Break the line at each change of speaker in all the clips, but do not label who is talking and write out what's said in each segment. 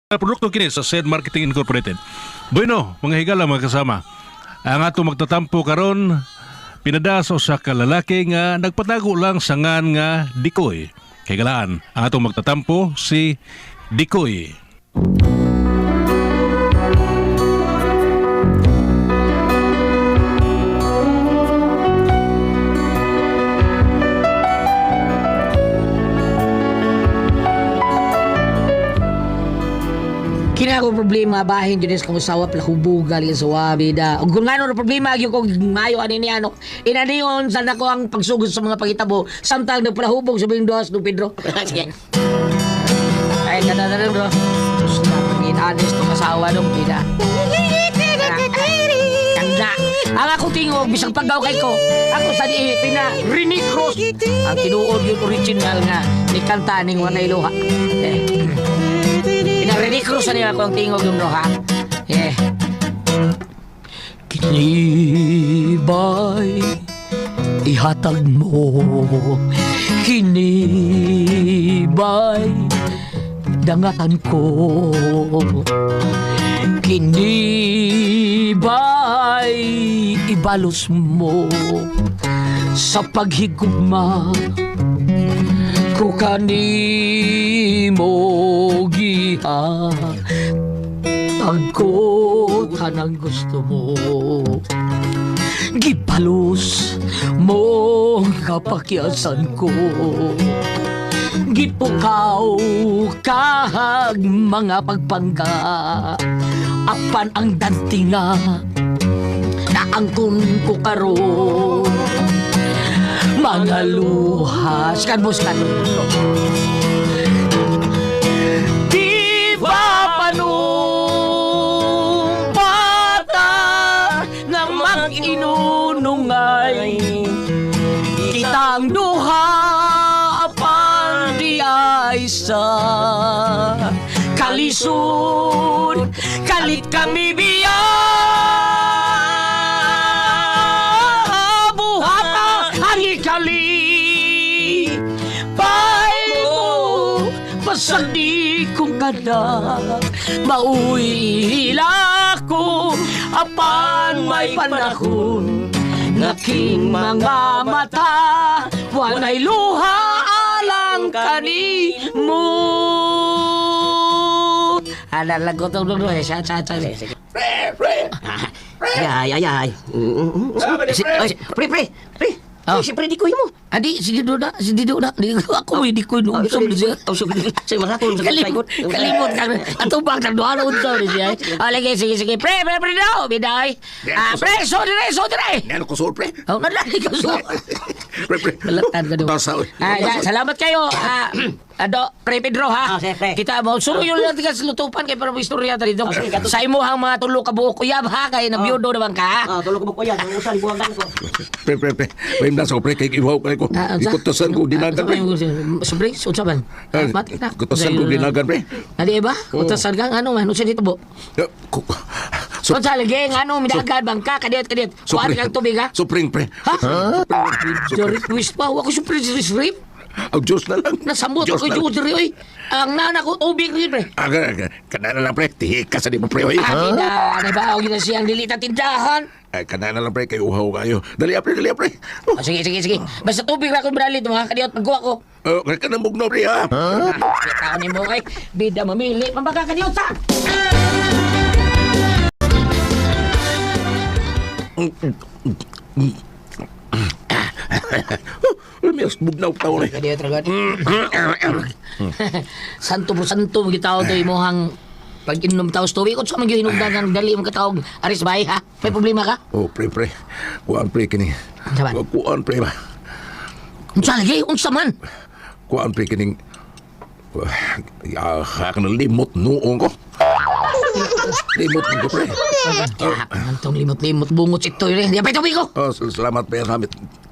produkto kini sa Said Marketing Incorporated. Bueno, mga higala mga kasama. Ang ato magtatampo karon pinada sa usa ka lalaki nga nagpatago lang sa ngan nga Dikoy. Higalaan, ang ato magtatampo si Dikoy.
Kina ko problema bahin jud sa usawa pala hubugal sa wabi da. Ug kung ano problema gyud ko mayo ani ni ano. Inaniyon sa nako ang pagsugod sa mga pangitabo samtang nagpalahubog sa Binduas do Pedro. Sige. Ay kada na bro. Gusto na pagin honest tong asawa dong pida. Kanda. Ang ako tingog bisang paggaw kay ko. Ako sa di pina Rini Cruz. Ang tinuod yung original nga ni kanta ning Wanay Luha. Ready Cruz na ako ang tingog yung ha. Yeah. Kinibay ihatag mo, kinibay dangatan ko, kinibay ibalos mo sa paghigugma ko kanimo giha tagko tanang gusto mo gipalos mo kapakyasan ko gipukaw kahag mga pagpangga apan ang dantinga naangkon ko karon mga luhas kanbos di ba panong bata nga mag-inunungay kitang duha apan di ay sa kalisod kalit kami biya Pasandi kong kada mauhila ko apan may panahon ngaking mga mata walay luha alang kanimo. Lagot ang dulo sa
Pre! Ay. Pre! Siyempre di ko mo.
Adi, sige doon na. Di ako hindi ko nung gusto mo siya.
Say, maratong sa
Kalimot ka. Ato bang nagduhan ang unsa ni siya. Lagi, sige. Pre daw, biday. Pre, so dire.
Nano ko sol, pre?
Oh, nadali ka so.
Pre.
Balatan ka doon. Salamat kayo. Pre Pedro ha.
Pre.
Kita mo, suruyo lang tigas lutupan kay para mo istorya ta dito. Sa imo hang mga tulo ka buok uyab ha kay na biyudo naman ka.
Tulo ko ba kuya? Ang usan buwangan ko.
Pre. May nasa ko, pre. Kay iwaw kay ko. Ikutosan ko dinagan, pre.
Sobre, unsa man? Matik na.
Ikutosan ko dinagan, pre.
Adi ba? Utasan ka ano man, unsa dito bo? Unsa lagi ano midagan bangka kadiyot. Kuan kang tubig ha?
Supring, pre.
Ha? Sorry, twist pa. Ako super rip.
Ang Diyos na lang.
Nasambot ako yung diri, oy. Ang nana ko, ubig rin, pre.
Kanana lang, pre. Tihika sa di mo, pre, oy.
Ano ba, huwag na siyang dilita tindahan.
Kanana lang, pre. Kayo uhaw kayo. Dali, pre.
Sige. Basta tubig na akong bralit, mga kadiyot, magkuha ko.
Kaya ka nang bugno, pre, ha?
Kaya ni mo, ay, bida mamili. Pambaga kadiyot, sa!
Lumiyas, bugnaw tao na.
Kadiyot, ragad. Santo mo gitaw to imuhang pag inom taos tubig. Kung saan mag-inom dagang dali mong katawag. Aris bahay, ha? May problema ka?
Pre. Kuhaan, pre, kini.
Saban?
Kuhaan, pre, ba?
Unsa lagi? Unsa man?
Kuhaan, pre, kining... Ka na limot noong ko. Limot ko, pre.
Antong limot-limot bungot si Toy rin. Di pa tubig ko.
Salamat, pre. Salamat.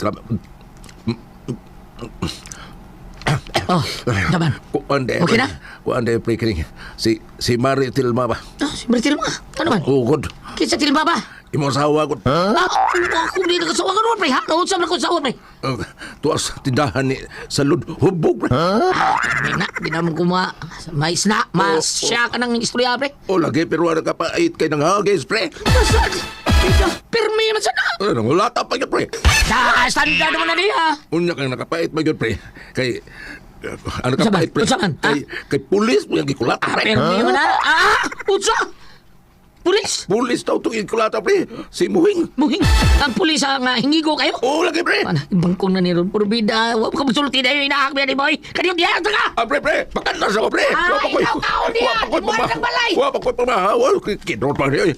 Saban? Okay na?
Kuhaan, pre, kining. Si Mari Tilma ba?
Si Maritilma. Ano man?
God.
Kinsa Tilma ba?
Imo asawa ko.
Ako di nakasawa ka naman, pre. Ha? Naunsa na ko sawa, pre.
Tuwas tindahan ni salud hubog pre.
Di naman ko mais na. Siya ka ng istorya, pre.
O lagi pero ano ka pa ait kay nang hagis pre.
Masad. Pirmi naman sana.
Ano wala ta pa yun pre.
Standard naman na niya.
Unya kang nakapait ba yun pre. Kay ano ka
Saan ba?
pait pre.
Saan?
Kay pulis mo yung gikulat pre.
Pirmi naman na. Utsa. Pulis.
Pulis daw itong ikulata pre. Si Muhing.
Muhing. Ang pulis ang hingigo kayo.
O lagi pre.
Bangkong na ni Ron. Puro bida. Huwag ka masulti na yung inaakbi ni boy. Kaniyong diyan ka.
Pre pre. Pakantas ako pre.
Ikaw kaon niya. Ibuhay ng balay.
Wapa ko'y pamahawa. Kidrot pa niya.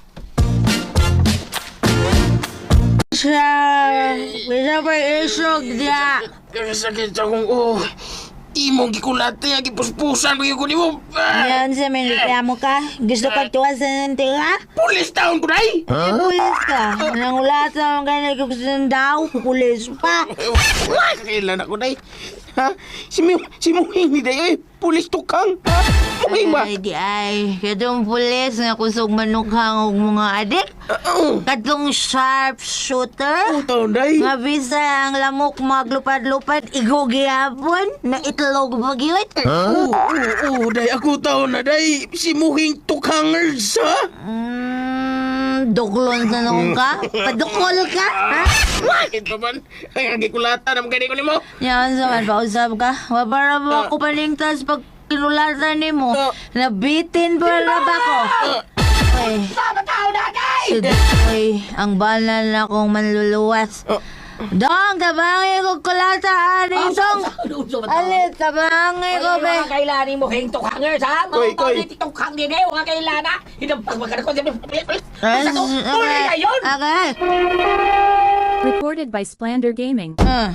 Siya. Bisa pa isog diya.
Sakit akong imong gikulate nga gipuspusan mo yung mo.
Yan sa reklamo ka? Gusto ka tuwasan ng tira?
Pulis taon ko day.
Pulis ka. Nangulata ang ganyan gusto ng daw. Pulis pa.
Kailan ako day. Ha? Si Muhing ni day. Pulis tukang. Ha? Muhing ba?
Ay, di ay. Katong pulis nga kusog manukhang og mga adik. Katong sharpshooter.
Taon day.
Nga bisa ang lamok maglupad-lupad. Igugihapon. Na itlog magyot.
Day. Ako taon na day. Si Muhing tukangers ha?
Duklon sa nung ka? Padukol ka? Ha?
Bakit pa man? Ay, gikulata naman gani ko ni mo.
Yan sa man, pausap ka. Wapara mo ako paningtas pag kinulatan ni mo. Nabitin pa na ba ko? Ay, Oy, ang banal na kong manluluwas. Dong, tabangi ko kulata, Arisong. Alit, tabangi ko, be.
Mga kailanin mo, hing tukhangers, ha?
Koy,
Mga
koy.
paulit tukhang din eh, mga kailana. Hinampag magkana ko,
Ay,
tuloy na yun!
Okay.
Recorded by Splander Gaming.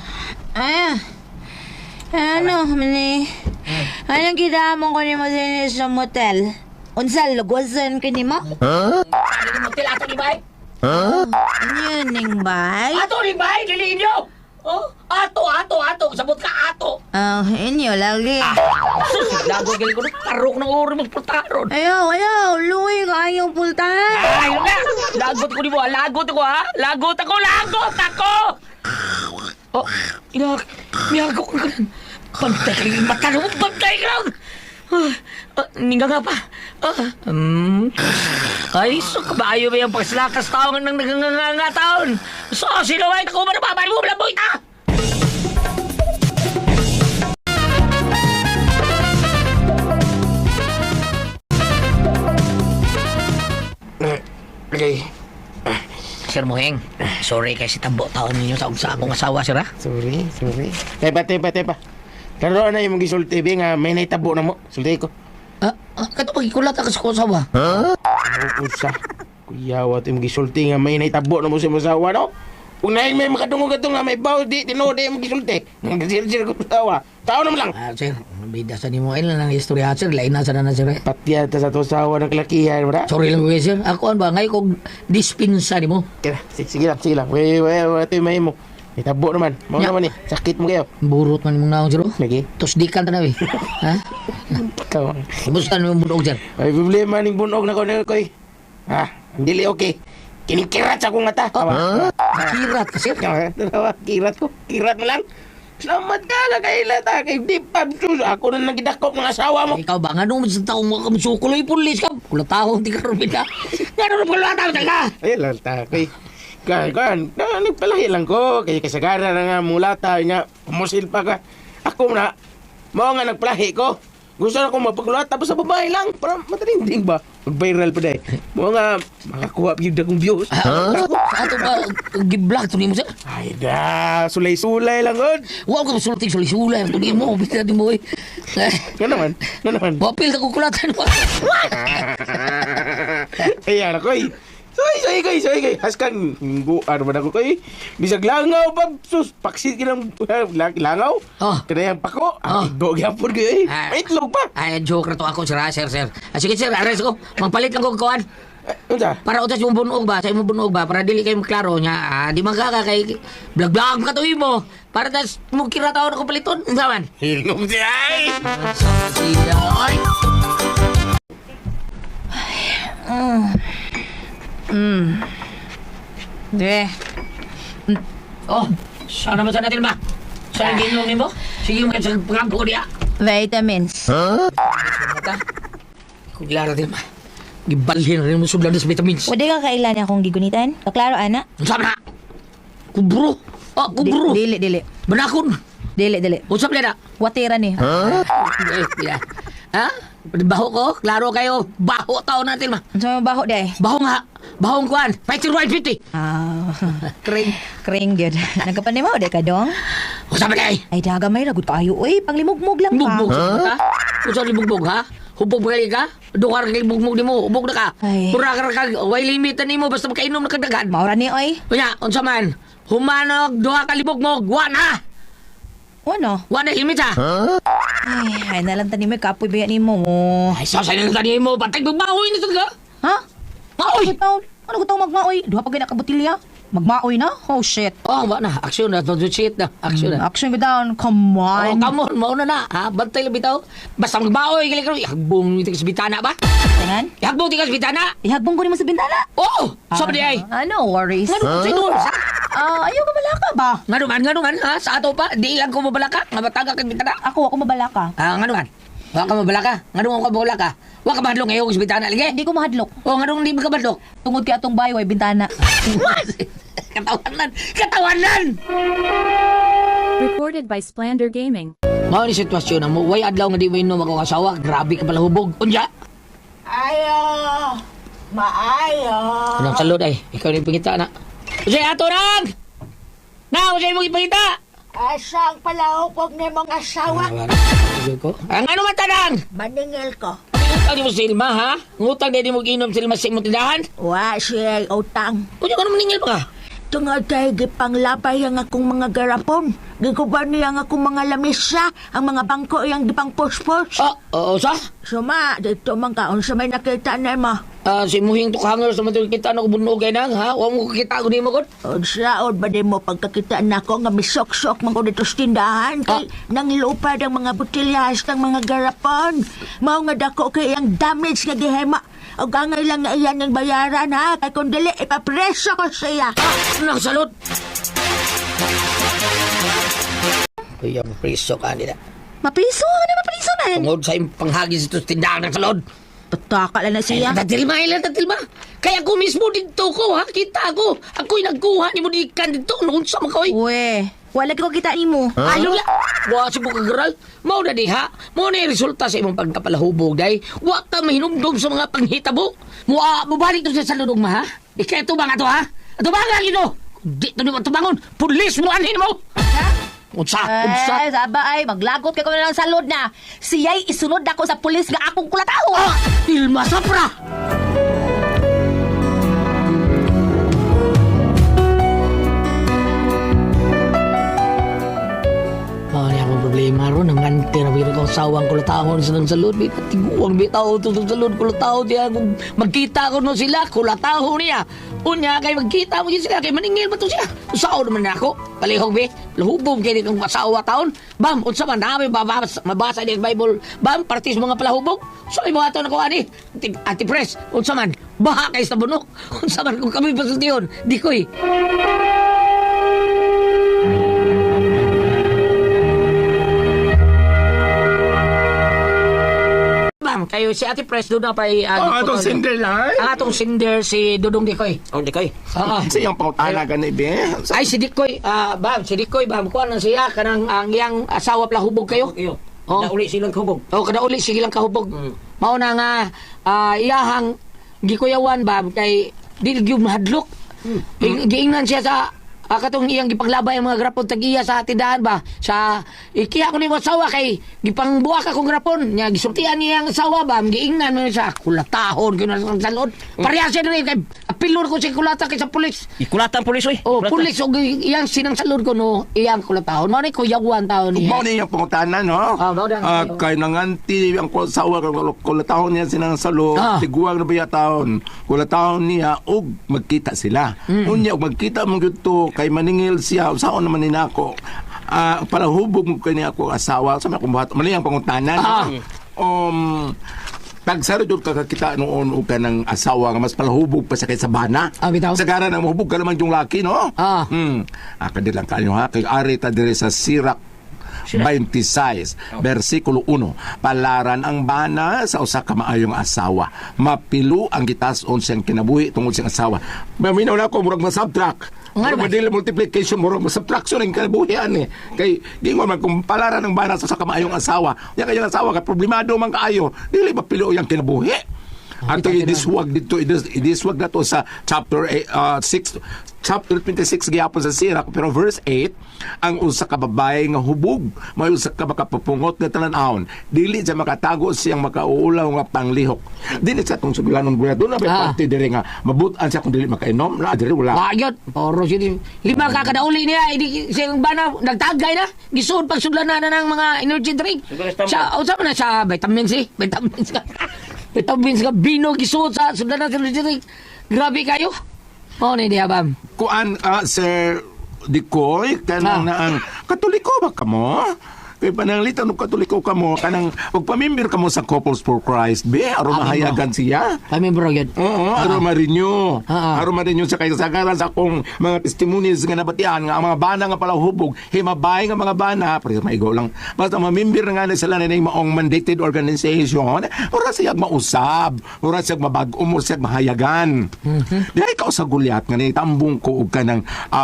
Ano, mani? Anong kinamon ko ni mo sa motel? Unsal, lugosan ka ni mo?
Ano mo, tilato ni Bay?
Ano yun, Ning Bay?
Ato ni Bay, diliin nyo! Oh, ato, sabot ka ato!
Inyo, lagi.
Lago gali ko na tarok ng uri mong pultaron.
Ayaw, luwi ka ayaw pultahan.
Ayun na! Lagot ko ni mo, lagot ako ha! Lagot ako! Oh, miyago ko ka lang. Bantay ka lang, mata mo, bantay ka lang! Ninga nga pa. Ay, so kabayo ba yung pagslakas taon ng naganganga taon? So, sino ay ako manababay mo, malaboy ta!
Okay.
Sir Moheng, sorry kasi tambo taon ninyo sa akong asawa, sir ha?
Sorry. Tepa. Karoon na yung gisulti, be, nga may naitabo na mo. Sulti ko.
Kato magikulat ako sa akong asawa.
Usa. Kuyawa ito yung gisulti nga may naitabo na mo sa masawa, no? Kung nahin may makadungog ito nga may baw, di, tinode yung gisulti. Nagkasir-sir ko masawa. Tao naman lang.
Sir, bida sa nimo ilan lang istorya, sir. Lain na sa na, sir.
Patya ta sa tusawa ng kalakihan, wala?
Sorry lang ko, sir. Ako ba, ngayon kong dispinsa ni mo.
Sige lang. Wait, ito yung may mo. Itabo naman. Mau
Ya.
naman eh. Sakit mo kayo.
Burot man mong naong, sir.
Lagi.
Tos di ka na, eh. Ha?
Ikaw.
Kumusta naman mo sir?
May problema ning bunog na ko na koy. Ha? Dili okay. Kinikirat sa akong mata.
Kirat ka, sir.
Kirat ko. Kirat mo lang. Salamat ka na kay Lata. Kay Dipab Sus. Ako na nagidakop ng asawa mo.
Ikaw ba nga nung sa taong mga kamsukuloy pulis ka? Kulatahong di ka rin ka. Gano'n na kulatahong ka?
Ay, Lata. Kay nagpalahi lang ko. Kaya kasagara na nga mulata. Nga, umusil pa ka. Ako na, mo nga nagpalahi ko. Gusto na akong mapagluhat tapos sa babae lang. Para matalinding ba? Mag-viral pa dahil. Mo nga, makakuha yung akong views.
Ato ba, giblag to ni mo, sir?
Ay da, sulay-sulay lang god.
Wow, ka sulting suli-sulay. Ito ni mo, bisa din mo, eh.
Nga naman.
Wapil ka kukulatan mo.
Ayan ako eh. Soy koy. Haskan, ano ba na ko koy? Bisag langaw pa, sus, paksit kinang langaw.
Oh.
Kaya yung pako,
Oh.
go gyapon ko eh. May itlog pa.
Ay, joke na to ako, sir, sir. Sige, sir, ares ko. Magpalit lang ko kawan.
Unsa?
Para utas yung bunog ba, sa imong bunog ba, para dili kayo klaro niya. Di magkaka kay blag-blag ka to mo. Para tas mo kira tao na kupaliton. Unsa man?
Hilom siya ay.
Ay.
De.
Oh, sana ba natin ba? Saan ginom mo? Sige mo sa pagkampo niya.
Vitamins.
Mata. Kung lara din ba? Gibalhin rin mo suglan sa vitamins.
Wala ka kailan akong gigunitan? Kaklaro, ana?
Unsap na? Kubro. Oh, kubro.
Dili.
Banakon.
Dili.
Unsap na na?
Watira ni.
Ha? Baho ko? Klaro kayo. Baho tao natin ma.
Ano sa baho day?
Baho nga. Bahong kuan. Fighting right 50.
Ah, kring good. Nagkapanay mo, de ka dong?
Unsap na kay?
Ay, daga may ragot kayo. Uy, panglimugmug lang
Bugbog
ka.
sa ha? Unsap ni bugbog ha? Hubog ba ka? Duwar kay bugbog ni mo. Hubog na ka.
Ay.
Pura ka. Way limitan ni mo. Basta makainom na kagdagan.
Maura ni, oy.
Kunya, unsa man? Humanog, duha ka libog mo. Guwan ha?
Ano?
Guwan na limit ha?
Ay nalang tani may kapoy ba ni mo.
Ay, sasay na tani mo. Patay magbahoy na talaga.
Ha?
Maoy!
Ano ko tawag magmaoy? Duha pa gina kabutilya? Magmaoy na? Oh, shit.
Oh, ba na. Aksyon na. Don't shit na. Aksyon na.
Action ko down. Come
Oh,
on.
come on. Mauna na. Ha? Bantay lang bitaw. Basta magbahoy. Ihagbong ito sa bitana ba?
Tanan?
Ihagbong ito sa bitana.
Ihagbong ko ni mo sa bintana.
Oh! Sabi di ay.
No worries.
Nga naman, sino?
Ayaw ka malaka ba?
Nga naman, ha? Sa ato pa. Di lang ko mabalaka. Nga bataga kag bitana.
Ako mabalaka.
Nga naman. Wa ka mabalaka. Nga naman ka mabalaka. Wa ka mahadlong ngayon sa bitana. Lagi.
Hindi ko mahadlok.
Oh, nga naman di ka mahadlong.
Tungod kay atong bayo ay bintana.
Katawanan! Katawanan!
Recorded by Splander Gaming.
Mao ni sitwasyon na mo. Way adlaw nga di mo inom ako kasawa. Grabe ka pala hubog. Unya!
Ayo, maayo.
Anong salod ay? Ikaw na yung pangita na. Usay ato nang! Na! Usay mong ipangita!
Asang palahupog ni mong asawa.
Ang ano man tanang?
Maningil ko.
Ngutang di mo silma ha? Ngutang di mo ginom silma sa imong tindahan?
Wa siya utang.
Unya ka naman ningil pa ka?
Tungod kay gipanglabay ang akong mga garapon. Giguban niya ang akong mga lamisa, ang mga bangko iyang gipang puspos.
Oh, oo sa?
Suma, dito man ka, unsa may nakita na mo.
Si Muhing tukhanger sa matulog kita na kubunog kay nang ha? Huwag mo kakita ko di mo kon?
Unsa, ba di mo pagkakita na ko nga misok-sok man ko dito sa tindahan kay nanglupad ang mga butilyas ng mga garapon. Mao nga dako kay ang damage nga gihema. O gangay lang nga iyan ang bayaran ha, kay kung dili ipapreso ko siya.
Nang salud! Kuya, mapriso ka nila.
Mapriso? Ano mapriso man?
Tungod sa imong panghagis ito sa tindahan ng salod.
Tataka lang na siya.
Tatilma, ilan tatilma. Kaya ako mismo dito ko, ha? Kita ko. Ako'y nagkuha ni mo di ikan dito. Noon sa mga
Uwe, wala ko kita ni mo.
Ayaw na. Wa si mo kagaral. Mao na di ha. Mao na yung resulta sa imong pagkapalahubog day. Wa ka mahinumdum sa mga panghitabo. Mubalik to sa saludong ma ha. Ika ito ba nga to ha? Ito ba nga gino? Di to ni mo tumangon. Pulis mo anhin mo. Unsa?
Ay, saba ay, maglagot ka ko na lang salod na. Siya'y isunod ako sa pulis nga akong kulataho.
Ilma Sapra! Mali akong problema ron. Ang ganti na biro kong sawang kulatahon sa nang salud. Tiguang bitaw ito sa salud. Kulataho diya. Kung magkita ko no sila, kulataho niya. Unya kay magkita mo yun sila. Kay maningil ba ito siya? Usaw naman na ako. Palihog be. Lahubog kayo nitong masawa taon. Bam, unsa man namin mabasa din sa Bible. Bam, partis mga palahubog. So, yung mga taon ako ani. Antipres, unsa man. Baha kayo sa bunok. Unsa man kung kami pasultiyon. Di ko'y. Kayo si Ate Pres doon na pa
atong sinder lang.
Ang atong sinder si Dudong Dikoy.
Oh, di koy.
Oo.
Siyang pautana ka na ibe.
Ay si Dikoy, si Dikoy kuha na siya kanang ang iyang asawa palahubog kayo. Oh.
Kada uli silang kahubog.
Kada uli sige lang kahubog. Mao na nga iyahang gikuyawan kay di gyud mahadlok. Giingnan siya sa katong iyang gipanglabay ang mga grapon tag-iya sa tindahan ba sa ikiya ko ni mo asawa kay gipangbuak akong grapon nya gisultian niya ang asawa ba giingnan mo sa kulatahon kino sa salod pareha siya rin kay apilor ko si kulata kay sa pulis
Ikulatan pulis oy.
oh pulis og iyang sinang salod ko no iyang kulatahon mo ni kuyawan taon
Mao
niya
ni yung pangutanan, no?
mao na
Kay nanganti ang sawa kulatahon niya sinang salo, tiguang na baya taon. Kulatahon niya og magkita sila. Unya og magkita mo gyud to kay maningil siya usaon naman ni nako. Para hubog mo kani ako asawa sa mga kumbahat. Mali ang pangutanan.
Tagsaro jud kakakita noon o ka ng asawa nga mas palahubog pa sa kay sa bana.
Bitaw.
Sa gara na mahubog ka naman yung laki, no? Kadilang kanyo ha. Kay ari ta dire sa Sirak 26, versikulo 1. Palaran ang bana sa usa ka maayong asawa. Mapilo ang gitas-on siyang kinabuhi tungod siyang asawa. Maminaw na ko, murag masubtract. Murag madili multiplication, murag masubtraction ang kinabuhian eh. Kay, di mo man, kung palaran ang bana sa usa ka maayong asawa, yung kayong asawa, ka problemado man kaayo, dili mapilo ang kinabuhi. Ato idiswag dito, idiswag na to sa chapter 6, chapter 26 gihapon sa Sirak, pero verse 8, ang usa ka babae nga hubog, may usa ka makapapungot nga tanan-awon, dili siya makatago siyang makauulaw nga panglihok. Dili sa tong suglanon buya doon na may parte dire nga mabutan siya kung dili makainom, na dire wala.
Ayot, poro siya. Lima ka kadauli niya, hindi siyang bana, nagtagay na, gisuod pagsudlanan na ng mga energy drink. Sa, usap na sa vitamins eh, vitamins ka. Vitamins ka, bino, gisuod sa sudlanan sa energy drink. Grabe kayo. Oh, hindi habam.
Kuan, Sir Dikoy, kanang na ang Katoliko ba kamo? Kay pananglitan og Katoliko kamo, kanang pagpamimbir kamo sa Couples for Christ, be, aron mahayagan siya.
Kami bro, yun.
Oo, aron marinyo. Aron marinyo sa kasagaran sa akong mga testimonies nga nabatian nga ang mga bana nga pala hubog, himabay nga mga bana, pero maigo lang. Basta mamimbir nga na sila na maong mandated organization, ora siya mausab, ora siya mabag-o, ora siya mahayagan. Dahil ikaw sa gulyat nga ni tambong ko og kanang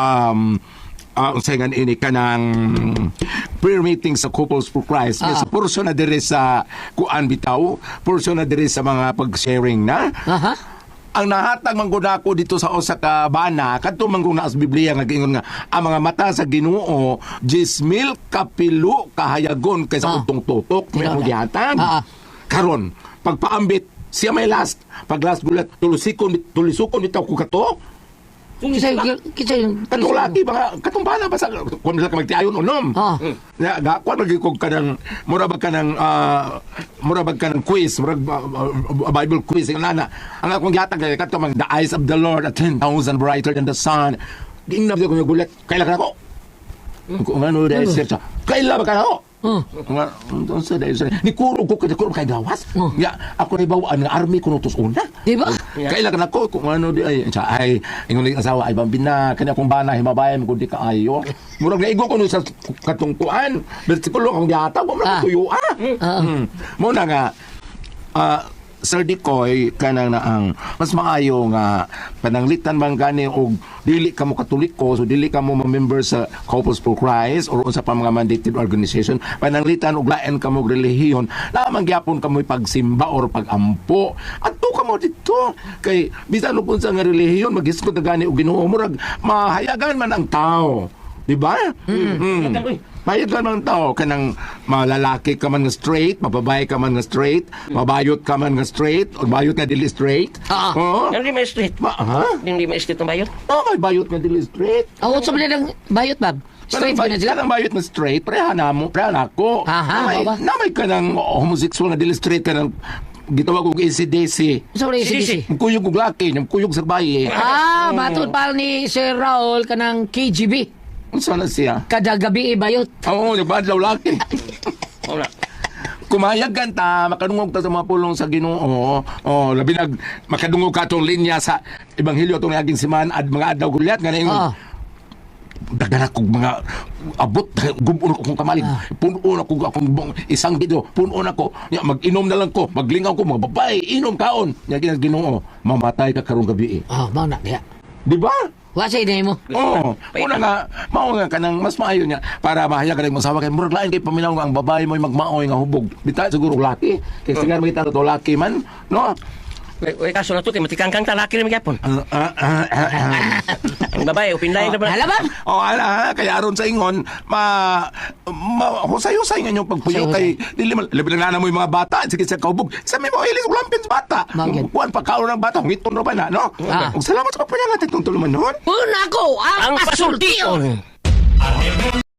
usayngan ini kanang prayer meeting sa Couples for Christ. Sa portion na dire sa kuan bitaw, portion na dire sa mga pag-sharing na. Ang nahatag mangguna ko dito sa usa ka bana, kadto mangguna sa Biblia nga giingon nga ang mga mata sa Ginoo 10,000 kapilo kahayagon kaysa utong tutok may ang gihatag. Karon pagpaambit siya may last, pag last gulat tulusukon bitaw ko kato.
Kisay,
Katong laki ba katong bana ba sa kung sila ka magtiayon unom. Gakuan magikog ka ng mura ba ka ng quiz, mura Bible quiz ang nana. Ang akong gihatag kato mang the eyes of the Lord are 10,000 brighter than the sun. Gingna ko yung gulat. Kailan ka na ko? Kung ano dahil siya. Kailan ba ka na ko? Ni kuro ko kay gawas. Ako na ibawaan nga army ko nutos una.
Diba?
Kailan ko kung ano di ay ingon ang asawa ay bambina kanya kung bana himabayan ko di kaayo. Murag naigo ko no sa katungkuan. Bersikulo akong gihatag mo na tuyo mo na nga Sir Dikoy, kanang na ang mas maayo nga pananglitan man gani og dili ka mo Katoliko, so dili ka mo member sa Couples for Christ or sa pa mga mandated organization, pananglitan og lain ka mo relihiyon, lamang gyapon ka mo pagsimba or pagampo. Adto ka mo dito kay bisan ug unsa nga relihiyon maghisgot na gani og Ginoo murag mahayagan man ang tao. Diba? Mahayagan man ang tao kanang malalaki ka man nga straight, mababae ka man nga straight, mabayot ka man nga straight, o bayot nga dili straight.
Hindi may street. Hindi may street ng bayot.
May bayot nga dili straight.
Sa mga ng bayot, Bob? Straight ba na sila?
Kanang bayot na straight, pareha na mo, pareha na ako. Namay ka ng homosexual na dili straight ka ng gitawag kong ACDC.
Sorry, ACDC.
Kuyog og laki, kuyog sa bayi.
Matod pa ni Sir Raul ka ng KGB.
Unsa na siya?
Kada gabi bayot.
Oo, nagbadlaw laki.
Wala.
Kumayag ka ta, makadungog ta sa mga pulong sa Ginoo. Labi makadungog ka tong linya sa Ebanghelyo tong naging siman at mga adlaw gulyat nga dagan akong mga abot gubon akong kamalig punon ako akong isang video punon ako mag-inom na lang ko maglingaw ko mga babae inom kaon nya Ginoo mamatay ka karong gabi
mao na diha
di ba
Wasay na mo.
Una nga, mao nga kanang mas maayo niya para mahayag ka ng masawa kay murag lain kay paminaw nga ang babae mo magmaoy nga hubog. Bita siguro laki. Kay sigar makita to laki man, no?
Uy, kaso na to, kay matikangkang talaki rin magyapon. Ang babae, upinlay na ba?
Hala ba?
Ala, kaya aron sa ingon, husay-husay nga yung pagpuyo kay, labi na mo yung mga bata, sige sa kaubog, sa may mga ilis, ulampin sa bata. Kuhan pa kaon ng bata, hungiton na ba na, no? Salamat sa pagpuyo natin itong tuluman noon.
Una ko, ang pasultiyon!